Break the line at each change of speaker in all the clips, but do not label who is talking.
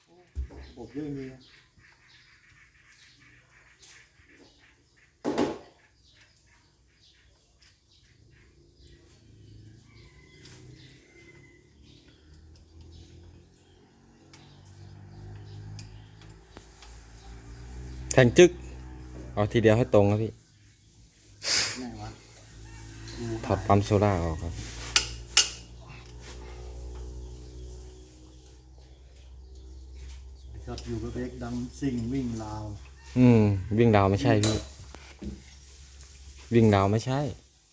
บบเยอะจริง
แทงจึ๊กเอาทีเดียวให้ตรงครับพี่
ไหนวะ
ถอดปั๊มโซล่าออกครับ
ครับอยู่กับเบกดำซิ่งวิ่งราว
วิ่งดาวไม่ใช่พี่ วิ่งดาวไม่ใช่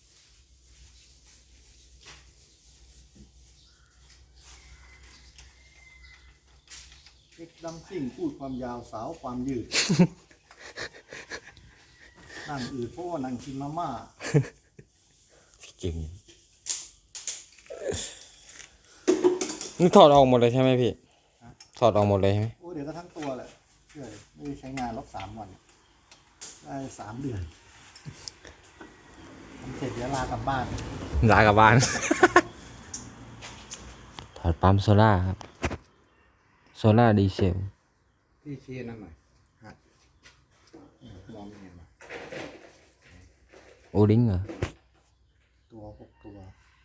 เบกดำซิ่งพูดความยาวสาวความยืด นั่งอืดเพราะว่านั่งกินมาม่า
เก่งนี่ถอดออกหมดเลยใช่ไหมพี่ ถอดออกหมดเลยใช่ไหม
โอ้เดี๋ยวก็ทั้งตัวแหละเชื่อเลยไม่ได้ใช้งานรบ3 วันได้3 เดือนทำเสร็จเดี๋ยวลากลับบ้าน
ลากลับบ้าน ถอดปั๊มโซล่าครับ โซล่าดีเซล
พี่เชียร์นั่นหน่อยฮะมองยังไงวะ
โอลิงเหรอ
ตัว6 ตัว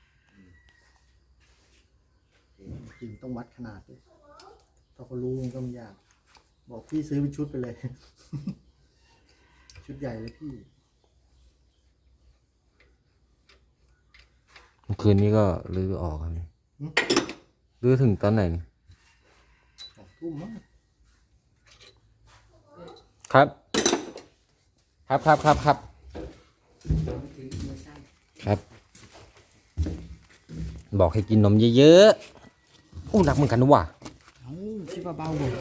จริงต้องวัดขนาดด้วยถ้าเขารู้มันก็ไม่ยากบอกพี่ซื้อเป็นชุดไปเลย ชุดใหญ่เลยพี่
เมื่อคืนนี้ก็รื้อออกครับนี่รื้อถึงตอนไหนนี่
2 ทุ่มมั้ง
ครับ ครับครับครับครับครับ บอกให้กินนมเยอะๆอู้หนักเหมือนกันนะว่ะ
เอ้าชิบะเบาเลย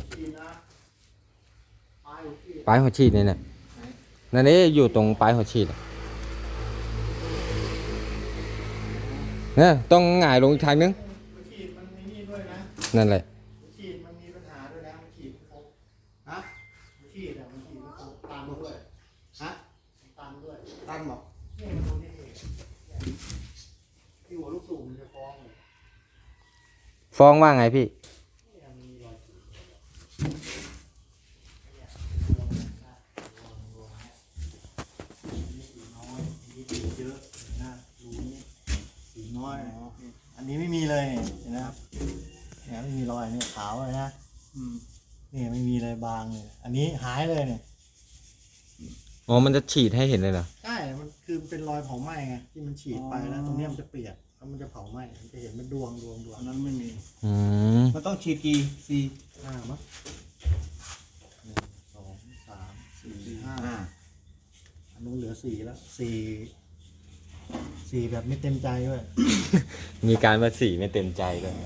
ปลายหัวฉีดนี่เนี่ยนั่นนี่อยู่ตรงปลายหัวฉีดอะเนี่ยต้องหงายลงอีกทางนึง
ฉีดมันมีนี่ด้วยนะ
นั่นแหละ
ฉีดมันมีปัญหาด้วยนะมันฉีดไม่ครบฮะมันฉีดอ่ะมันฉีดไม่ครบตันด้วยฮะตันด้วยตันบอกนี่มันตรงนี้ที่หัวลูกสูบมันจะฟ้องเลย
ฟ้องว่าไงพี่
เนี่ยมันมีรอยฉีดนี่สีน้อยนี่สีเยอะนะรูนี้สีน้อยอันนี้ไม่มีเลยเห็นไหมครับเนี่ยไม่มีรอยเนี่ยขาวเลยนะนี่ไม่มีเลยบางเลยอันนี้หายเลยเนี่ย
อ๋อ มันจะฉีดให้เห็นเลยเหรอ
ใช่ มันคือเป็นรอยเผาไหม้ไงที่มันฉีดไปแล้วตรงเนี้ยมันจะเปียกแล้วมันจะเผาไหม้มันจะเห็นเป็นดวงอันนั้นไม่มี
อืม
มันต้องฉีดกี่4 5มั้ง1 2 3 4 5อันนู้นเหลือ4แล้ว4แบบไม่เต็มใจด้วย
มีการว่าสีไม่เต็มใจด้วย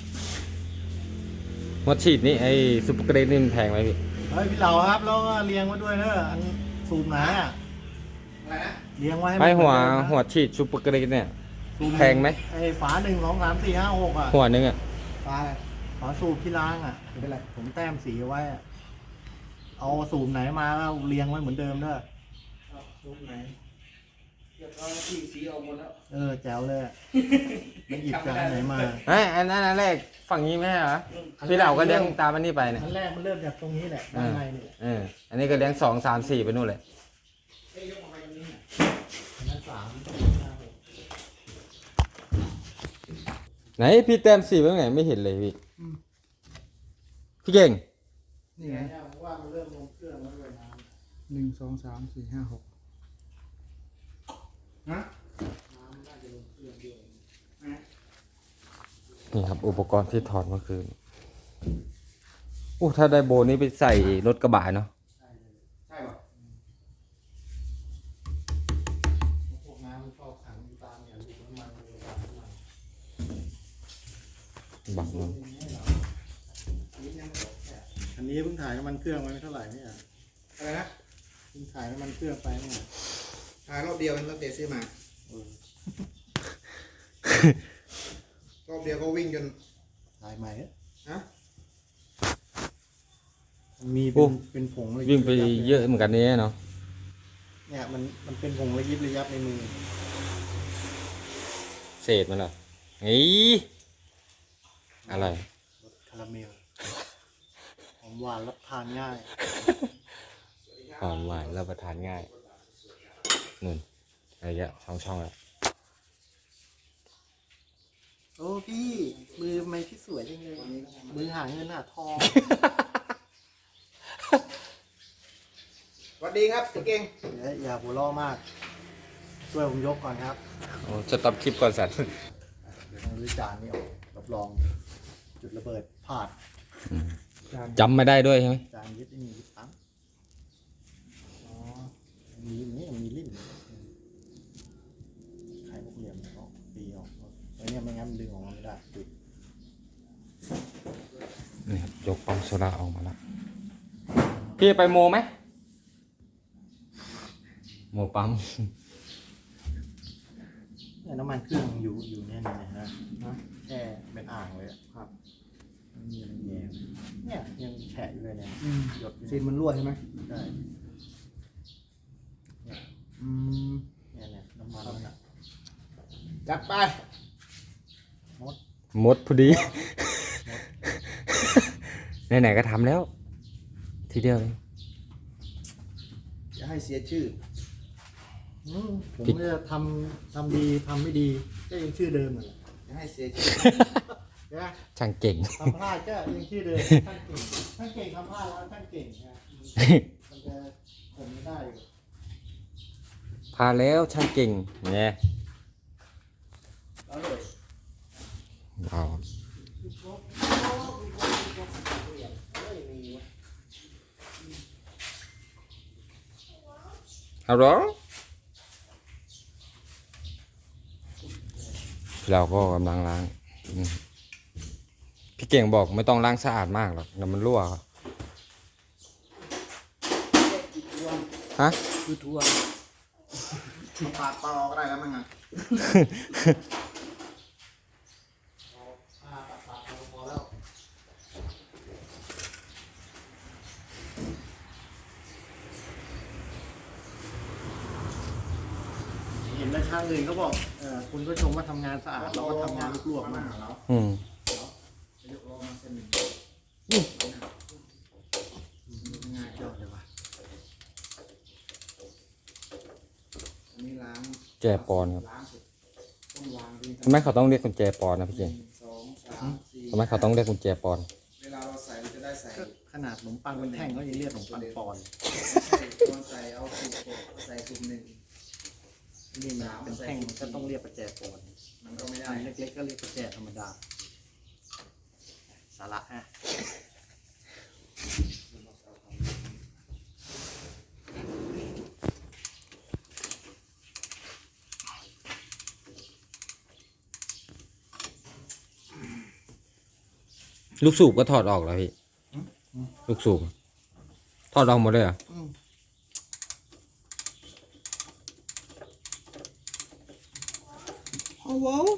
หมดฉีดนี่ไอ้ซุปเปอร์เกรดนี่มันแพงไหมพี่
เฮ้ยพี่เหล่าครับแล้วก็เลี้ยงไว้ด้วยเนอะอันสูบไหนอ่ะอะไรนะเลี้ยงไว้ให้
ไอ้หัว
เหมือนเดิมนะ
หัวฉีดซุปเปอร์เกรดเนี่ย
สูบ
แพงไหม
ไอ้ฝา1 2 3 4 5 6อ่ะ
หัวนึงอ่ะ
ฝาอะไรฝาสูบที่ล้างอ่ะไม่เป็นไรผมแต้มสีไว้อะเอาสูบไหนมาแล้วเรียงไว้เหมือนเดิมเด้อสูบไหนเรียบร้อยที่สีออกหมดแล้วแจ๋วเลยอะไม่หยิบจากอันไหนมา
เอ้ยอันนั้นอันแรกฝั่งนี้ไหมใช่เหรอพี่เหล่าก็เลี้ยงตามอันนี้ไปเนี่ย
อันแรกมันเริ่มจากตรงนี้แหละด้านในนี่
อันนี้ก็เลี้ยง2 3 4ไปนู่นเลย
อันนั้น3
ไหนพี่แต้มสีไว้ไหนไม่เห็นเลยพี่ พี่เก่ง
นี่ไงว่ามันเริ่มลงเครื่องแล้วด้วยน้ำ1 2 3 4 5 6ฮะน้ำน่าจะลงเครื่องด้วย
นี่ครับ อุปกรณ์ที่ถอดเมื่อคืนถ้าได้โบนี้ไปใส่รถกระบะเนาะ
ใช่ป่ะพวกน้ำมันชอบขังอยู่ตามเนี่ยลูกน้ำมันเลยตามน้ำมัน
บังมัน
อันนี้เพิ่งถ่ายน้ำมันเครื่องไว้ไม่เท่าไหร่เนี่ยอะไรนะเพิ่งถ่ายน้ำมันเครื่องไปเนี่ยถ่ายรอบเดียวรอบเดียวซื้อมารอบเดียวก็วิ่งจนถ่ายใหม่ฮะมีเป็นผงเลย
วิ่งไปเยอะเหมือนกันนี่เนาะ
เนี่ยมันเป็นผงระยิบระยับในมือ
เศษมันเหรอเฮ้ยอะไร
รสคาราเมลหวานรับทานง่าย
หอมหวานรับประทานง่ายนุ่นอะไรเงี้ยช่องแล้ว
โอ้พี่มือทำไมพี่สวยจังเลยมือหาเงินหาทอง
สวัสดีครับเจ๊เก่ง
อย่าหัวเราะมาก ช่วยผมยกก่อนครับ
โอ้จะตับคลิปก่อนสัน
เดี๋ยวต้องรื้อจานนี่ออกรับรอง จุดระเบิดพลาดจาน
จำไม่ได้ด้วยใช่ไหม
จานยึดไอ้นี่ยึดปั๊มอ๋อมีนี่มีลิ้นไข่พวกเหลี่ยมเขาตีออกไอ้เนี่ยไม่งั้นมันดึงออกมาไม่ได้ติด
นี่ครับยกปั๊มโซดาออกมาแล้วพี่ไปโมไหมโมปั๊ม
เนี่ยน้ำมันเครื่องอยู่เนี่ยนะแช่เป็นอ่างเลยอะครับนี่มันแย่เนี่ยยังแฉะอยู่เลยเนี่ยหยดอยู่
ซีนมันรั่วใช่ไหม
ใช่
อืม
เนี่ยน้ำมันนั่นน่ะ
จัดไป
หมดพอดี ไหนๆก็ทำแล้ว ทีเดียวเลย
อย่าให้เสียชื่อ
ผมจะทำดีทำไม่ดีก็ยังชื่อเดิมเหมือน
อย่าให้เสียชื่อ
นะ
ช่างเก่ง
ทำพลาดก็ยังชื่อเดิมช่างเก่งทำพลาดแล้วช่างเก่งนะมันจะผมไม่ได้อยู่
พาแล้วช่างเก่งเนี่ย
แล้วเลย
เอาฮัลโหลเราก็กำลังล้างพี่เก่งบอกไม่ต้องล้างสะอาดมากหรอกเดี๋ยวมันรั่วครับฮะ
คือทัวร์ปาดต่อก็ได้แล้วมั้งอ่ะ
พอแล้วเห็นแล้วช่างอื่นเขาบอกคุณก็ชมว่าทำงานสะอาดเราก็ทำงานลวกๆมาก
แล้ว
อืม
ยกลงมาเส้นหนึ่ง
ง่ายยอดเลยว่ะ
อันนี้ล้าง
แจปอนครับ
ล้างเสร็จต้องวางดี
ทำไมเขาต้องเรียกกุญแจปอนนะพี่เก่ง
สองสามสี่
ทำไมเขาต้องเรียกกุญแจปอน
เวลาเราใส่เราจะได้ใส่
ก็ขนาดขนมปังเป็นแท่งก็ยังเรียกขนมปังปอนด์
ใส่ตอนใส่เอาสูตรหกใส่สูตรหนึ่ง
นี่มันเป็นแท่งมันก็ต้องเรียกประแจปอนด์
มันก็ไม่ได้
อันเล็กๆก็เรียกประแจธรรมดา สาระฮะ
ลูกสูบก็ถอดออกแล้วพี่ ลูกสูบถอดออกหมดเลยเหรอ่ะ
เอาว้าว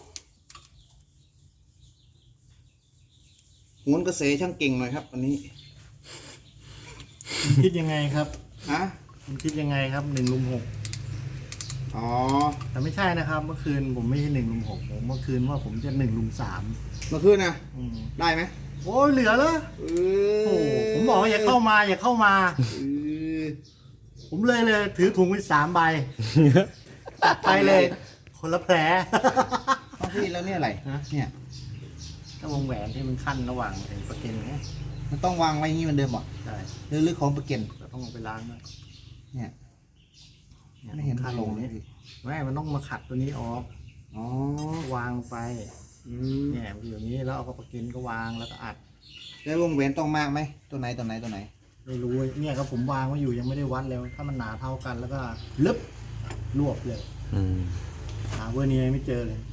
โหนกระแสช่างเก่งหน่อยครับวันนี้
คิดยังไงครับ
ฮะ
คุณคิดยังไงครับ1 ลุม 6
อ๋อ
แต่ไม่ใช่นะครับ เมื่อคืนผมไม่ใช่1 ลุม 6ผมเมื่อคืนว่าผมจะ1 ลุม 3
เมื่อคืนนะได้ไหม
โอ้ยเหลือเลย
เอ
โอ้โหผมบอกว่าอย่าเข้ามาอย่าเข้ามา
เออ
ผมเลยถือถุงไป3 ใบตัดไปเลย คนละแผล
เอาพี่แล้วเนี่ยอะไร
ฮะ
เนี่ย
ถ้าวงแหวนที่มันขั้นระหว่างไอ้ประเก็นเนี่ย
มันต้องวางไว้อย่างนี้เหมือนเดิมเหรอ
ใช่
หรือของประเก็น
เราต้องเอาไปล้างด้วย
เนี่ย
ย
ไม่เห็น
ขั้น
ลงเลยพี่
ไม่มันต้องมาขัดตัวนี้ออก
อ๋อ
วางไป
อืม
เนี่ยมันอยู่อย่างนี้แล้วเอาประเก็นก็วางแล้วก็อัด
แล้ววงแหวนต้องมากไหมตัวไหนตัวไหนตัวไหน
ไม่รู้เนี่ยครับผมวางไว้อยู่ยังไม่ได้วัดเลยถ้ามันหนาเท่ากันแล้วก็ลึบรวบเลย
อืม
หาเวอร์เนียไม่เจอเลย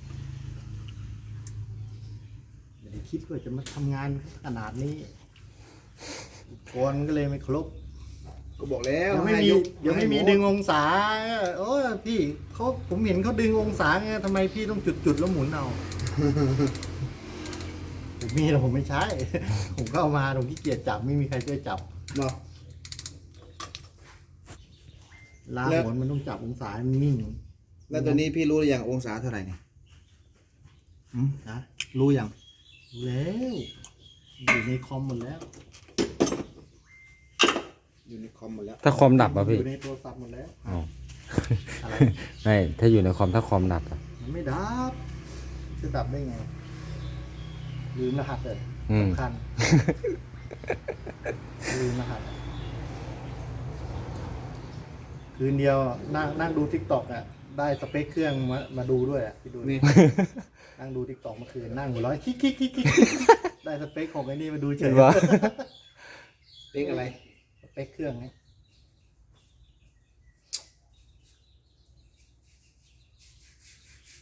ไม่ได้คิดว่าจะมาทำงานขนาดนี้อุปกรณ์ก็เลยไม่ครบ
ก็บอกแล้ว
ยังไม่มี
ให้
ยังไม่มี
ให้
ดึงองศาโอ้ยพี่ผมเห็นเขาดึงองศาไงทำไมพี่ต้องจุดแล้วหมุนเอา ผมมีแต่ผมไม่ใช้ ผมก็เอามาผมขี้เกียจจับไม่มีใครช่วยจับ
เนาะ
ลา
แล้ว
หมุนมันต้องจับองศาให้มันนิ่ง
แล้วตัวนี้พี่รู้หรือยังองศาเท่าไหร่เนี่ย
นะ
รู้ยัง
รู้แล้วอยู่ในคอมหมดแล้ว
อยู่ในคอมหมดแล้ว
ถ้าคอมดับอ่ะพี่
อยู่ในโทรศัพท์หมดแล้ว
อ๋อ
อะไร
ไม่ถ้าอยู่ในคอมถ้าคอมดับอ่ะ
มันไม่ดับจะดับได้ไง ลืมรหัสเลย
อืม
สำคัญ ลืมรหัส คืนเดียวนั่งดูทิกตอกอ่ะ ได้สเปคเครื่องมาดูด้วยอ่ะพี่ดู
นี่
นั่งดูทิกตอกเมื่อคืนนั่งหัวเร้อยคิกได้สเปคของไอ้นี่มาดูเฉ
เห็
ย
นปะ
เป๊กอะไร
สเปคเครื่องไง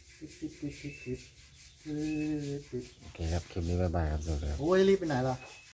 ติด
โอเคครับ คลิปนี้บ๊ายบายครับสวัสดีครับ
โอ้ยรีบไปไหนล่ะ